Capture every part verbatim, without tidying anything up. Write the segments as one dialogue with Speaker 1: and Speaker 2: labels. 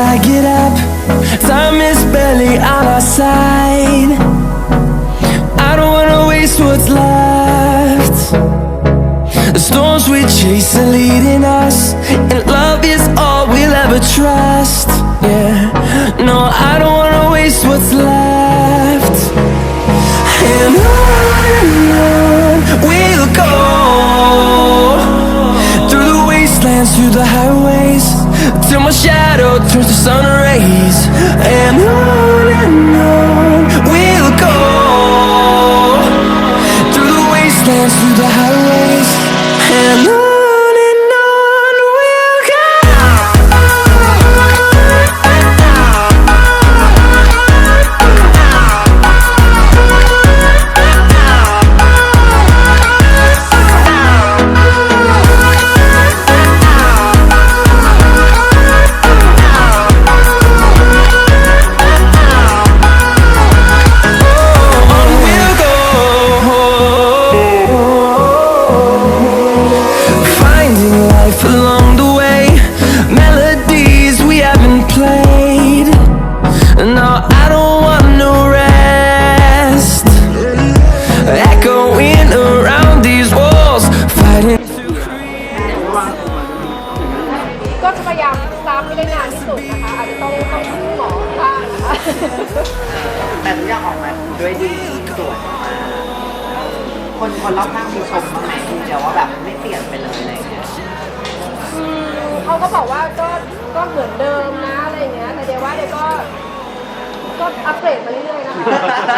Speaker 1: I get up, time is barely on our side. I don't wanna waste what's left. The storms we chase are leading us, and love is all we'll ever trust. Yeah, no, I don't wanna waste what's left. And on and on we'll go, through the wastelands, through the highways, till my shadow turns to sun rays. And on and on we'll go, through the wastelands, through the highways, and on. Along the way, melodies we haven't played. No, I don't want no rest, echoing around these walls, fighting to create.
Speaker 2: ก็จะพยายามซ้ำให้ได้นานที่สุดนะคะอาจจะต้องต้องพึ่งหมอบ้างนะคะ
Speaker 3: แต่ทุกอย่างออกมาด้วยดีสวยมากคนคนรอบข้างมีชมบ้างไหมเดี๋ยวว่าแบบไม่เปลี่ยนไปเลยอะไรอย่างเงี้ย
Speaker 2: เขาก็บอกว่าก็ก็เหมือนเดิมนะอะไรอย่างเงี้ยแต่เดี๋ยวว่าเดี๋ยวก็ก็อัปเกรดมาเรื่อยๆนะคะ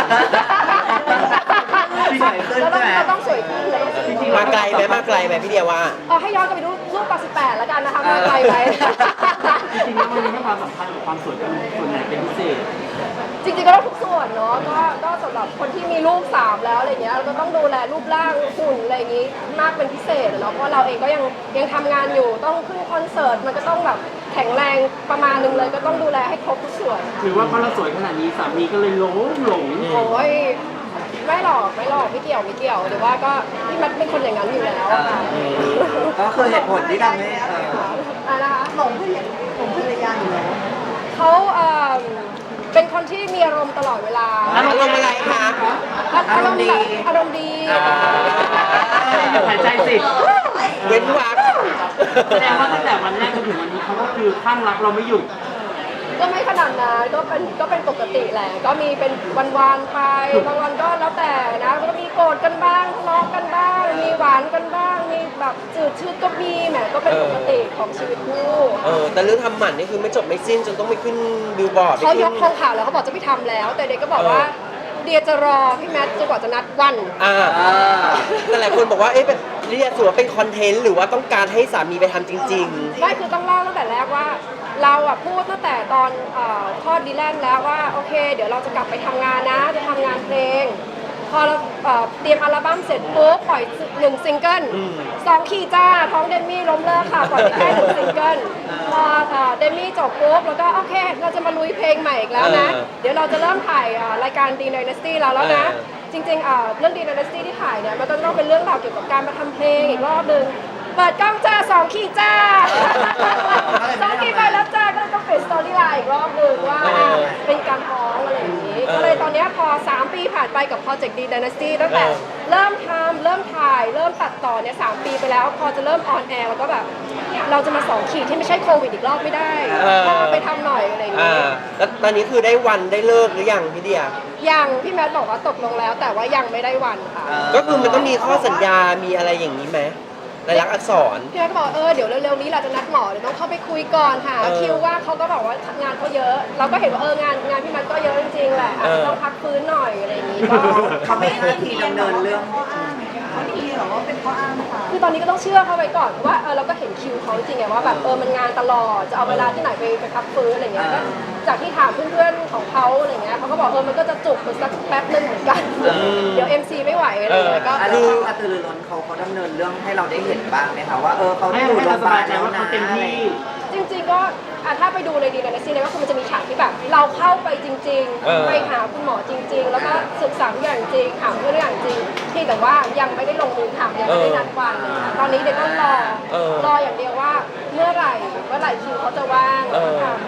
Speaker 2: แล้วเราต้องสวยขึ้นเลย
Speaker 4: มาไกลไหมมาไกลไหมพี่เดียว่า
Speaker 2: เออให้ย้อนกลับไปดูรูปตอนสิบแปดแล้วกันนะคะมาไกลไหม
Speaker 5: จริงๆแล้วมันมีความสำคัญกับความสวยเป็นส่วนไหนเป็นพิเศษ
Speaker 2: จริงๆก็ต้องทุกส่วนเนาะก็ก็สำหรับคนที่มีลูกสามแล้วอะไรเงี้ยเราก็ต้องดูแลรูปร่างหุ่นอะไรอย่างงี้มากเป็นพิเศษเนาะเพราะเราเองก็ยังยังทำงานอยู่ต้องขึ้นคอนเสิร์ตมันก็ต้องแบบแข็งแรงประมาณนึงเลยก็ต้องดูแลให้ครบทุกส่วน
Speaker 5: หรือว่าเพราะเราสวยขนาดนี้สามีก็เลยหลงหลง
Speaker 2: โอ้ยไม่หรอกไม่หรอกไม่เกี่ยวไม่เกี่ยวหรือว่าก็พี่มัดเป็นคนอย่างนั้นอยู่แล้วค่ะ
Speaker 3: ก็คือเหตุผลที่ทำให้
Speaker 2: อะไรนะคะ
Speaker 3: หลงเพื่อนหลงเพื่อนยากอยู่แล้ว
Speaker 2: เขาเอ่อเป็นคนที่มีอารมณ์ตลอดเวลา
Speaker 4: อารมณ์อะไรคะ
Speaker 2: อารมณ์ดีอารมณ์ดี
Speaker 5: หายใจสิ
Speaker 4: เว้นวัก
Speaker 5: แสดงว่าตั้งแต่วันแรกจนถึงวันนี้เขาก็คือข้างรักเราไม่หยุด
Speaker 2: ก็ไม่ขนาดนั้นก็เป็นก็เป็นปกติแหละก็มีเป็นวันๆไปบางวันก็แล้วแต่นะก็มีโกรธกันบ้างทะเลาะกันบ้างมีหวานกันบ้างมีแบบจืดชืดก็มีแหมก็เป็นปกติของชีวิตคู่
Speaker 4: เออแต่เรื่องทำหมันนี่คือไม่จบไม่สิ้นจนต้องไปขึ้นบิลบอร์ด
Speaker 2: เขายกโครงข่าวแล้วเขาบอกจะไม่ทำแล้วแต่เด็กก็บอกว่าเดียจะรอพี่แมทจนกว่าจะนัดวัน
Speaker 4: อ่าแต่หลายคนบอกว่าเอ๊ะเป็นเรียกถือว่าเป็นคอนเทนต์หรือว่าต้องการให้สามีไปทำจริง
Speaker 2: ๆไม่คือต้องเล่าตั้งแต่แรกว่าเราอะพูดตั้งแต่ตอนทอดดีแลนด์แล้วว่าโอเคเดี๋ยวเราจะกลับไปทำงานนะจะทำงานเพลงพอเราเตรียมอัลบั้มเสร็จปุ๊บปล่อยหนึ่งซิงเกิลสองขีจ้าท้องเดมี่ล้มเลิกค่ะปล่อยไปแค่หนึ่งซิงเกิลพอเดมี่จบปุ๊บแล้วก็โอเคเราจะมาลุยเพลงใหม่อีกแล้วนะเดี๋ยวเราจะเริ่มถ่ายรายการดีไดนาสตี้เราแล้วนะจริงๆเรื่องดีไดนาสตี้ที่ถ่ายเนี่ยมันก็ต้องเป็นเรื่องราวเกี่ยวกับการมาทำเพลงอีกรอบนึงเปิดกล้องจ้าสองขีดจ้าสองขีดไปแล้วจ้าก็ต้องเปลี่ยนสตอรี่ไลน์อีกรอบหนึ่งว่าเป็นการท้องอะไรอย่างนี้ก็เลยตอนนี้พอสามปีผ่านไปกับโปรเจกต์ดีไดนาสตี้ตั้งแต่เริ่มทำเริ่มถ่ายเริ่มตัดต่อเนี่ยสามปีไปแล้วพอจะเริ่มออนแอร์แล้วก็แบบเราจะมาสองขีดที่ไม่ใช่โควิดอีกรอบไม่ได้พอไปทำหน่อยอะไรอย่างนี้
Speaker 4: แล้วตอนนี้คือได้วันได้เลิกหรือยังพี่เดีย
Speaker 2: ยังพี่แมทบอกว่าตกลงแล้วแต่ว่ายังไม่ได้วันค่ะ
Speaker 4: ก็คือมันต้องมีข้อสัญญามีอะไรอย่างนี้ไหมรายลักษณ์อักษร
Speaker 2: พี่แมทก็บอกเออเดี๋ยวเร็วๆนี้เราจะนัดหมอเดี๋ยวต้องเข้าไปคุยก่อนค่ะคิวว่าเขาก็บอกว่างานเขาเยอะเราก็เห็นว่าเอองานงานพี่แมทก็เยอะจริงๆแหละอาจจะต้องพักฟื้นหน่อยอะไรอย่างนี้ก็
Speaker 3: เขาไม่หน้าที่ดำเนินเรื่องเขาดีหรอว่าเป็นข้ออ้างค่ะ
Speaker 2: คือตอนนี้ก็ต้องเชื่อเขาไว้ก่อนว่าเออเราก็เห็นคิวเขาจริงไงว่าแบบเออมันงานตลอดจะเอาเวลาที่ไหนไปไปพักฟื้นอะไรเงี้ยก็จากที่ถามเพื่อนๆของเขาอะไรเงี้ยเขาก็บอกเออมันก็จะจุกไปสักแป๊บนึงเหมือนกันเดี๋ยว เอ็ม ซี ไม่ไหวอะไรเงี้ยก็
Speaker 3: อันนี้กระตือรือร้นเขาเขาดำเนินเรื่องให้เราได้เห็นบ้างไหมคะว่าเออเขาอยู่โรงพยาบาลแล้วนะ
Speaker 2: จริงๆก็ถ้าไปดูในดีไดนาสตี้เนี่ยก็คือมันจะมีฉากที่แบบเราเข้าไปจริงๆไปหาคุณหมอจริงๆแล้วก็ศึกษาทุกอย่างจริงถามเรื่องอย่างจริงที่แต่ว่ายังไม่ได้ลงมือทำยังไม่ได้นัดวันตอนนี้เดี๋ยวต้องรอรออย่างเดียวว่าเมื่อไหร่เมื่อไหร่คิวเขาจะว่างทำ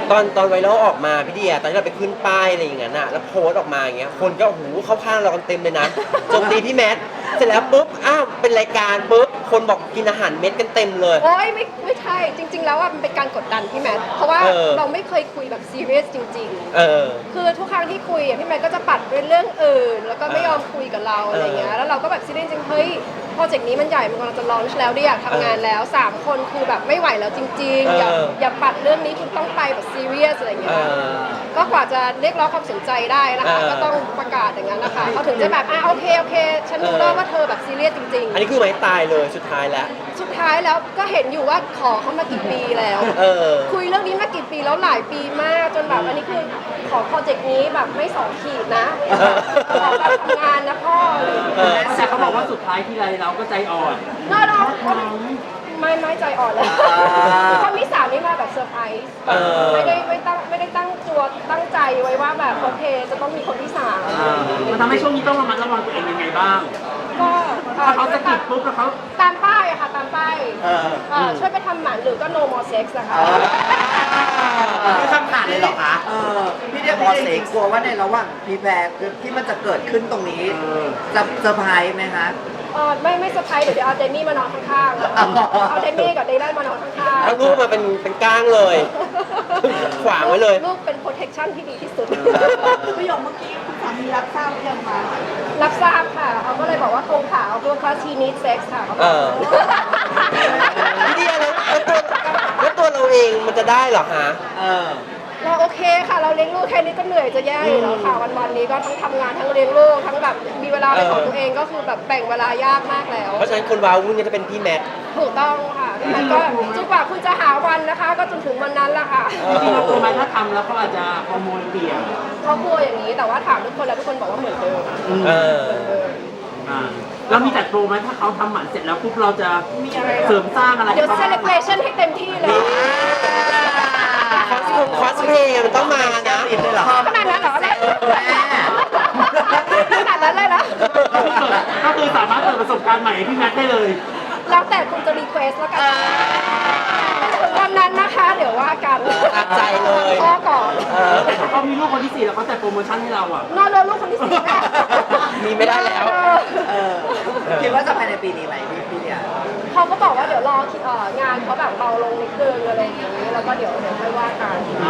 Speaker 4: ตอนตอนไวรัลออกมาพี่เดียตอนที่เราไปขึ้นป้ายอะไรอย่างเงี้ยน่ะแล้วโพสต์ออกมาอย่างเงี้ยคนก็โอ้โหเข้าข้างเรากันเต็มเลยนะโจมตีพี่แมทเสร็จแล้วปุ๊บอ้าวเป็นรายการปุ๊บคนบอกกินอาหารเม็ดกันเต็มเลย
Speaker 2: โอ้ยไม่ไม่ใช่จริง ๆ แล้วอ่ะมันเป็นการกดดันพี่แมทเพราะว่า
Speaker 4: เออ
Speaker 2: เราไม่เคยคุยแบบซีเรียสจริง ๆ
Speaker 4: เออ
Speaker 2: คือทุกครั้งที่คุยอ่ะพี่แมทก็จะปัดเป็นเรื่องอื่น แล้วก็ไม่ยอมคุยกับเราอะไรเงี้ยแล้วเราก็แบบซีเรียสจริงๆเฮ้ยโปรเจกต์นี้มันใหญ่มันกำลังจะลอนช์แล้วดิอยากทำงานแล้วสามคนคือแบบไม่ไหวแล้วจริงๆอย่า
Speaker 4: เออ
Speaker 2: อย่าปัดเรื่องนี้คุณต้องไปแบบซีเรียสอะไรเงี้
Speaker 4: เอย อ
Speaker 2: ก็กว่าจะเรียกร้องความสนใจได้นะคะ
Speaker 4: เออ
Speaker 2: ก็ต้องประกาศอย่างนั้นนะคะเขาถึงจะแบบอ่ะโอเคโอเค ฉันรู้แล้วว่าเธอแบบซีเรียสจริง
Speaker 4: อันนี้คือไม้ตายเลยสุดท้ายแล้ว
Speaker 2: ๆ สุดท้ายแล้วก็เห็นอยู่ว่าขอเขามากี่ปีแล้ว
Speaker 4: เออ
Speaker 2: คุยเรื่องนี้มากี่ปีแล้วหลายปีมากจนแบบอันนี้คือขอโปรเจกต์นี้แบบไม่สองขีดนะ
Speaker 4: เออ
Speaker 2: ขอแบบทำงานนะพ่ออะไรอย่าง
Speaker 4: เอ
Speaker 2: เงี้ย
Speaker 4: อ
Speaker 5: แต่เขาบอกว่าสุดท้ายที่ไรเราก็ใจอ่อน
Speaker 2: น่ารักไม่ไม่ใจอ่อนแล้วคนที่สามนี่มาแบบเซอร์ไพรส์
Speaker 4: เออ
Speaker 2: ไม่ได้ไม่ตั้งไม่ได้ตั้งตัวตั้งใจไว้ว่าแบบโอเคจะต้องมีคนที่สาม
Speaker 5: มันทำให้ช่วงนี้ต้องระมัดระวังตัวเองยังไงบ้าง
Speaker 2: ก็อ่
Speaker 5: ถ้าเขาสะกิดปุ๊บแล้วเขา
Speaker 2: ตามป้ายอะค่ะตามป้าย
Speaker 3: เออ
Speaker 2: เอ่อช่วยไปทำหมันหรือก็ no more sex นะคะ
Speaker 3: คือคำขาดเลยเหรอคะเออพี่เดียพี่เดียกลัวว่าในระหว่างพีแพร์ที่มันจะเกิดขึ้นตรงนี้จะเซอร์ไพรส์ไหมคะ
Speaker 2: เออไม่ไม่เซอร์ไพรส์เดี๋ยวเดี๋ยวเอาเดมี่มานอนข้างๆ
Speaker 3: อ๋อ
Speaker 2: เอาเดมี่กับเดย์ไลมานอนข้างๆ
Speaker 4: เอาลูกมาเป็นเป็นก้างเลย ขวางไว้เลย
Speaker 2: ลูกเป็น protection ที่ดีที่สุด
Speaker 6: ประโยคเมื่อกี้คุณสามีรับทราบหรือยังคะ
Speaker 2: รับทราบค่ะเขาก็เลยบอกว่าโครงขาวตัวคลาสทีนิดเซ็กซ์ค่ะเขาบ
Speaker 4: เอ
Speaker 2: อก
Speaker 4: อ พี่เดียแล้วแล้วตัวแล้วตัวเราเองมันจะได้เหรอฮะ
Speaker 3: เออ
Speaker 2: เราโอเคค่ะ เราเลี้ยงลูกแค่นี้ก็เหนื่อยจะแย่อยู่แล้วค่ะ วันวันๆนี้ก็ทั้งทำงานทั้งเลี้ยงลูกทั้งแบบมีเวลาเป็นของตัวเองก็คือแบบแบ่งเวลายากมากแล้ว
Speaker 4: เพราะฉะนั้นคนว้าวุ่นเนี่ยจะเป็นพี่แมท
Speaker 2: ถูกต้องค่ะมันก็จนกว่าคุณจะหาวันนะคะ ก็จนถึงวันนั้นแหละค่ะ
Speaker 5: จริงๆเรากลัวไหมถ้าทำแล้วเขาอาจจะฮอร์โมนเปลี่ยน
Speaker 2: เขากลัวอย่างนี้แต่ว่าถามทุกคนแล้วทุกคนบอกว่าเหมือนเดิม
Speaker 4: เออ
Speaker 5: อ่าเรามีจัดโปรไหมถ้าเขาทำหมันเสร็จแล้วปุ๊บเราจะเสริมสร้างอะไร
Speaker 2: เดี๋ยว
Speaker 5: ให้
Speaker 2: เซ
Speaker 5: ขา
Speaker 2: เลบรชันให้เต็มที่เลย
Speaker 4: คอสคอสเพลย์มันต้องมานะ
Speaker 3: ติดเลยเหรอ
Speaker 2: ขนาดนั้นเหรอเนี่ย
Speaker 3: แม่
Speaker 2: ขนาดนั้นเลยนะ
Speaker 5: ก็คือสามารถเปิดประสบการณ์ใหม่ให้พี่แมทได้เลย
Speaker 2: แล้วแต่คุณจะรีเควสแล้วกันถึงวันนั้นนะคะ เดี๋ยวว่ากัน
Speaker 4: ตามใจเลย
Speaker 2: พ่อก่อน
Speaker 4: เออ
Speaker 5: แต่ถ้าเขามีลูกคนที่สี่แล้วเขาจัดโปรโมชั่นให้เราอ่ะ
Speaker 2: นอนเลยลูกคนที่สี่แม่
Speaker 4: มีไม่ได้แล้ว
Speaker 3: เออคิดว่าจะภายในปีนี้ไหมพี่พี่เดีย
Speaker 2: เขาก็บอกว่าเดี๋ยวรอเอ่องานเขาแบบเบาลงนิดนึงอะไรอย่างนี้แล้วก็เดี๋ยวเดี๋ยวค่อยว่ากัน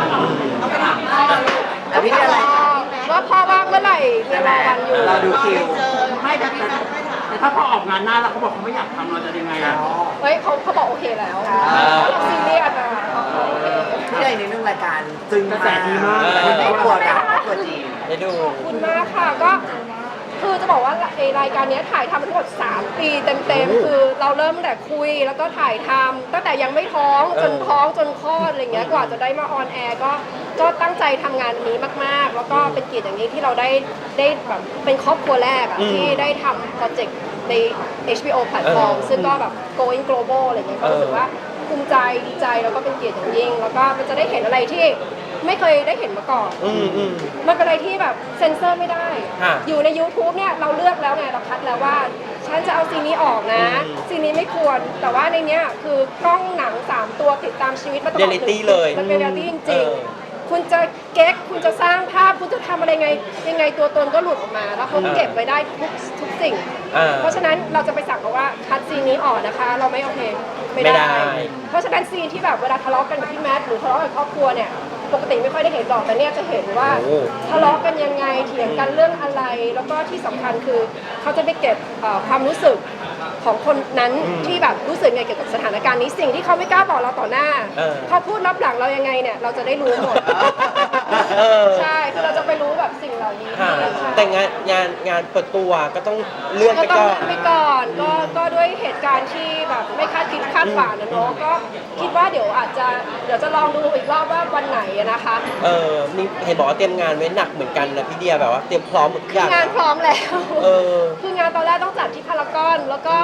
Speaker 3: แล้วพี่เดียอะไร
Speaker 2: ว่าพ่อว่างเมื่อไหร่มีรอวันอยู่
Speaker 3: เราดูคิว
Speaker 5: ไม่แต่แต่แต่ถ้าพอออกงานหน้าแล้วเขาบอกเขาไม่อยากทำเราจะยังไงอ่ะ
Speaker 2: เฮ้ยเขาเขาบอกโอเคแล้วเราซีเรียสอะเขาเขาโอเค
Speaker 3: พี่เดียอีกนิดนึงรายการจึง
Speaker 5: กระแสดีมาก
Speaker 3: ครอบครัวดังครอบครัวจีน
Speaker 4: ได้ดู
Speaker 2: ขอบคุณมากค่ะก็คือจะบอกว่าไอ้รายการเนี้ยถ่ายทำทั้งหมดสามปีเต็มๆคือเราเริ่มตั้งแต่คุยแล้วก็ถ่ายทำตั้งแต่ยังไม่ท้องจนท้องจนคลอดอะไรเงี้ยกว่าจะได้มาออนแอร์ก็ก็ตั้งใจทำงานนี้มากๆ แล้วก็เป็นเกียรติอย่างนี้ที่เราได้ได้แบบเป็นครอบครัวแรกอะ
Speaker 4: อืม
Speaker 2: ที่ได้ทำโปรเจกต์ใน เอช บี โอ แพลตฟอร์ม
Speaker 4: เออ
Speaker 2: ซึ่งก็แบบ going global อะไรเงี้ยก็รู้สึก
Speaker 4: เออ
Speaker 2: ว่าภูมิใจดีใจแล้วก็เป็นเกียรติอย่างยิ่ง แล้วก็มันจะได้เห็นอะไรที่ไม่เคยได้เห็นมาก่อน
Speaker 4: อืมอืม
Speaker 2: มันเป็นอะไรที่แบบเซ็นเซอร์ไม่ได้
Speaker 4: ฮะ
Speaker 2: อยู่ใน YouTube เนี่ยเราเลือกแล้วไงเราคัดแล้วว่า ฉันจะเอาซีนนี้ออกนะ
Speaker 4: อืม
Speaker 2: ซีนนี้ไม่ควร แต่ว่าในเนี้ยคือกล้องหนัง สาม ตัวติดตามชีวิตมาตลอด
Speaker 4: Reality เลย
Speaker 2: มันเป็นเรียลตี้จ
Speaker 4: เอ
Speaker 2: ริง
Speaker 4: อ
Speaker 2: ๆ คุณจะเก๊กคุณจะสร้างภาพ คุณจะทำอะไรไง ยังไงตัวตนก็หลุดออกมา แล้วเขาเก็บไว้ได้ทุกทุกสิ่ง
Speaker 4: อ่า
Speaker 2: เพราะฉะนั้นเราจะไปสั่งเขาว่าคัดซีนนี้ออกนะคะ เราไม่โอเคไม่
Speaker 4: ไม่ได้
Speaker 2: ได้ เพราะฉะนั้นซีนที่แบบเวลาทะเลาะกันกับพี่แมทหรือทะเลาะกับครอบครัวเนี่ยปกติไม่ค่อยได้เห็นหรอกแต่เนี่ยจะเห็นว่า
Speaker 4: โอ้
Speaker 2: ทะเลาะกันยังไงเถียงกันเรื่องอะไร แล้วก็ที่สำคัญคือเขาจะไปเก็บเอ่อความรู้สึกของคนนั้นที่แบบรู้สึกไงเกี่ยวกับสถานการณ์นี้สิ่งที่เขาไม่กล้าบอกเราต่อหน้า
Speaker 4: เออ
Speaker 2: เขาพูดรับหลังเรายังไงเนี่ยเราจะได้รู้หมด
Speaker 4: เออ
Speaker 2: ใช่คือเราจะไปรู้แบบสิ่งเหล่านี้
Speaker 4: ค่ะ
Speaker 2: ใช่
Speaker 4: แต่งานงานงานเปิดตัวก็ต้องเลื่อน
Speaker 2: ก็
Speaker 4: ไป
Speaker 2: ต้อง
Speaker 4: ก่อน
Speaker 2: เลื่อนไปก่อนก็ก็ด้วยเหตุการณ์ที่แบบไม่คาดคิดคาดฝันนะเนาะก็คิดว่าเดี๋ยวอาจจะเดี๋ยวจะลองดูอีกรอบว่าวันไหนอะนะคะ
Speaker 4: เออนี่เห็นบอกว่าเตรียมงานไว้หนักเหมือนกันนะพี่เดียแบบว่าเตรียมพร้อมหมดทุกอย่าง
Speaker 2: งานพร้อมแล้ว
Speaker 4: เออ
Speaker 2: คืองานตอนแรกต้องจัดที่พารากอนแล้วก็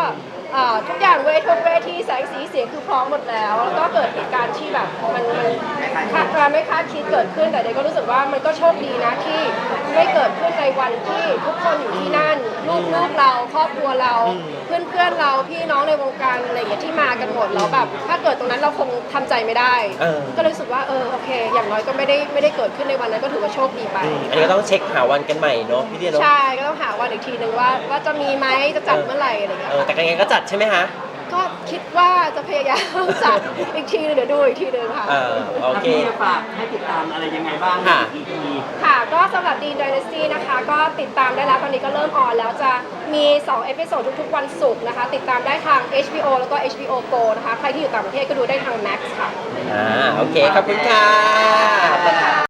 Speaker 2: เอ่อทุกอย่างเวทีเวทีแสงสีเสียงคือพร้อมหมดแล้ว แล้วก็เกิดเหตุการณ์ที่แบบมันมันคาดการไม่คาดคิดเกิดขึ้นแต่เด็กก็รู้สึกว่ามันก็โชคดีนะที่ไม่เกิดขึ้นในวันที่ทุกคนอยู่ที่นั่นลูกลูกเราครอบครัวเราเพื่อนเพื่อนๆเราพี่น้องในวงการอะไรอย่างเงี้ยที่มากันหมดแล้วแบบถ้าเกิดตรงนั้นเราคงทำใจไม่ได้
Speaker 4: เออ
Speaker 2: ก็เลยรู้สึกว่าเออโอเค อย่างน้อยก็ไม่ได้ไม่ได้เกิดขึ้นในวันนั้นก็ถือว่าโชคดีไป
Speaker 4: อืมอันนี้ก็ต้องเช็คหาวันกันใหม่เนาะพี่เดียเนาะ
Speaker 2: ใช่ก็ต้องหาวันอีกทีหนึ่งว่าว่าจะมีไหมจะจัดเมื่อไหร่อะไรอย่างเงี้ย
Speaker 4: เออแต่ยังไงก็จัดใช่ไหมคะ
Speaker 2: ก็คิดว่าจะพยายามจัดอีกทีนึงเดี๋ยวดูอีกทีนึงค่ะ
Speaker 4: เออโอเค
Speaker 5: พี่จะฝากให้ติดตามอะไรยังไงบ้าง
Speaker 4: ค่ะ
Speaker 5: อีพี
Speaker 2: ค่ะก็สำหรับ Dean Dynasty นะคะ ก็ติดตามได้แล้วตอนนี้ก็เริ่มออนแล้วจะมีสองเอพิโซดทุกๆวันศุกร์นะคะ ติดตามได้ทาง เอช บี โอ แล้วก็ เอช บี โอ Go นะคะ ใครที่อยู่ต่างประเทศก็ดูได้ทาง Max ค่ะ
Speaker 4: อ่าโอเค ขอบคุณค่ะ